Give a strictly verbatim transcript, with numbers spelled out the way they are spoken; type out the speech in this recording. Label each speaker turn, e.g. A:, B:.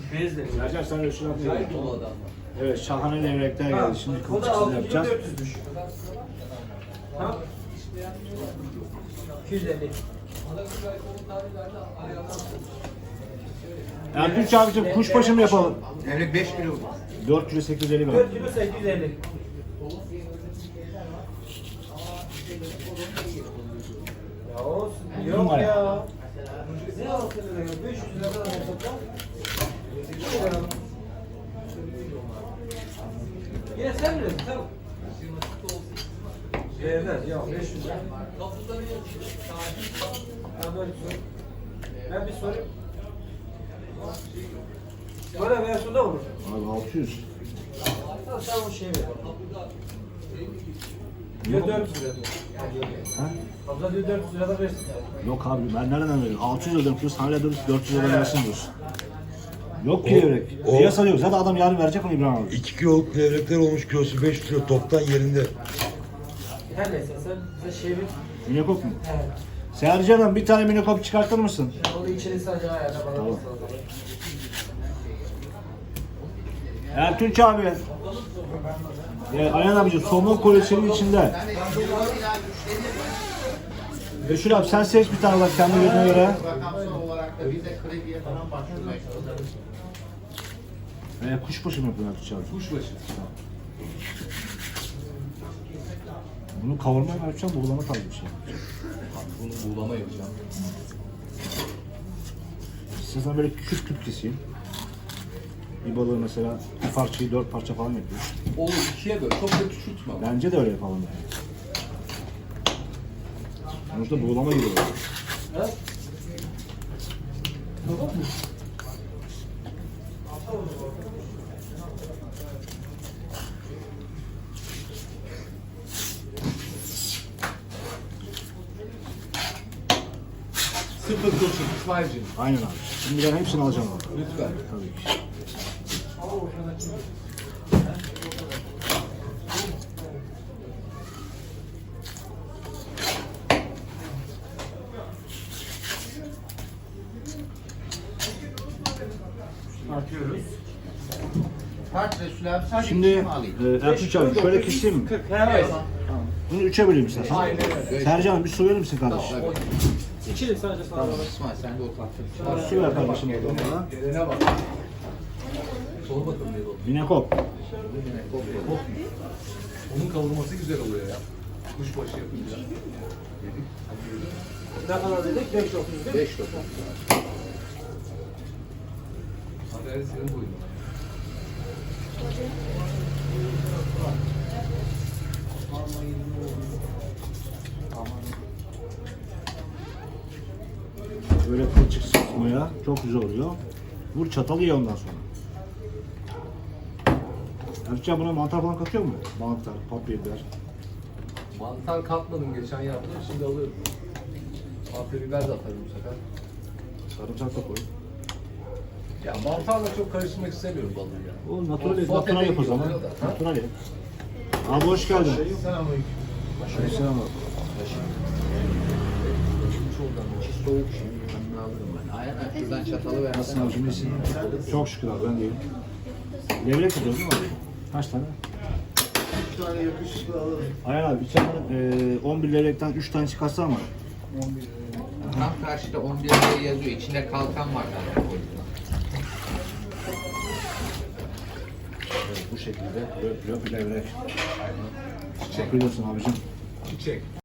A: Bezle.
B: Sercan sen Resul abi.
C: Acayip dolu adamlar.
B: Evet, şahane levrekler geldi. Şimdi
A: O da
B: kılçıksız
A: altı bin
B: yapacağız.
A: dört yüzmüş. Ha? iki yüz elli.
B: Ertuğrul abicim kuşbaşı mı yapalım?
D: Levrek beş kilo.
B: dört kilo sekiz yüz elli gram.
A: dört kilo sekiz yüz elli. Ya olsun. Yok
B: Numara.
A: ya. Ne altı lira ya? beş yüz lira kadar yapsak. Yine sen bilirsin tamam. Değmez ya beş yüz lira. Ben böyle sorayım. Ben bir sorayım. Böyle versiyonda olur.
B: Abi altı yüz.
A: Hatta sen o şeyi ver. Diyor dört yüz lira diyor.
B: Ha?
A: Abla diyor dört yüz lirada versin.
B: Yok abi ben nereden veriyorum? altı yüz ödedim diyorsun, hala dört yüz lira versin diyorsun. Yok ki levrek.
E: o-
B: Piyasa yok. Zaten adam yarın verecek ama İbrahim abi.
E: iki kiloluk levrekler olmuş, kilosu beş kilo, toptan yerinde.
A: Her neyse sen bize şey ver.
B: Minekop mu?
A: Evet.
B: Sercan'ım bir tane minekop çıkartır mısın?
A: Onu içeri sadece ayarla bana.
B: Tamam.
A: Tamam.
B: Ertunç abi. Ya, Ayhan abicim somon koleksiyonun içinde. Resul abi sen seç bir tane bak kendi gözüne göre.
D: Rakamsal olarak da bize krediye falan başvurmaya çalışıyoruz.
B: Ee, kuşbaşı mı yapıyorsun Ertunç abi?
C: Kuşbaşı.
B: Bunu kavurmaya mı yapacağım, buğulama tarzı bir şey.
C: Bunu buğulama yapacağım.
B: İstersen böyle küp küp keseyim. Bir balığı mesela bir parçayı dört parça falan yapıyor.
C: Olur ikiye böl. Çok da küçültme. ama.
B: Bence de öyle yapalım yani. Sonuçta buğulama gibi oluyor.
A: Evet. Tamam mı?
C: Sıfır kurşun İsmail'cim.
B: Aynen abi. Şimdi ben hepsini alacağım abi.
C: Lütfen.
B: Tabii ki.
A: Atıyoruz.
D: Kaç Resul abi? Sadece
B: Şimdi
D: iki mi alayım?
B: e, Ertuğrul abi şöyle keseyim mi?
A: kırk. Evet.
B: Bunu üçe böleyim istersen.
C: Aynen öyle.
B: Sercan bir su verir misin kardeşim?
A: İçeri sadece sana bak.
D: İsmail sen de otur.
B: Su ver kardeşim bana.
C: Gelene bak. Sor bakalım ne oldu.
B: Minekop.
C: Onun kavurması güzel oluyor ya. Kuşbaşı yapınca.
A: Ne kadar dedik? beş dokuz değil mi?
D: beş dokuz.
C: Hadi hadi senin boyun.
B: Böyle kılçık sıkmaya çok güzel oluyor. Vur çatalı ye ondan sonra. Ertuğrul buna mantar falan katıyor mu? Mantar, papya biber.
C: Mantar katmadım geçen yaptım şimdi alıyorum. Afya biber de atarım bu sefer.
B: Sarımsak da koy.
C: Ya mantarla çok karıştırmak istemiyorum balığı ya.
B: O natural,
C: O
B: natural yap o
C: sote
B: zaman.
C: oluyor da, ha?
B: Natural yap. Abi hoş geldin.
D: Selamünaleyküm.
B: Selam abi.
D: İçi soğuk şimdi. Ben alırım ben. Ayhan abi şuradan çatalı ver.
B: Nasılsın abicim iyisin? Çok şükür abi ben de iyiyim. Levrek tutuyoruz değil mi abi? Kaç tane?
D: üç tane yakışıklı alırım.
B: Ayhan abi içeriden e, on bir levrekten üç tane çıkarsa ama
D: Tam karşıda on bir liraya yazıyor. İçinde kalkan var zaten.
B: evet, bu şekilde löp löp levrek. Çiçek. Biliyorsun abicim.
C: Çiçek.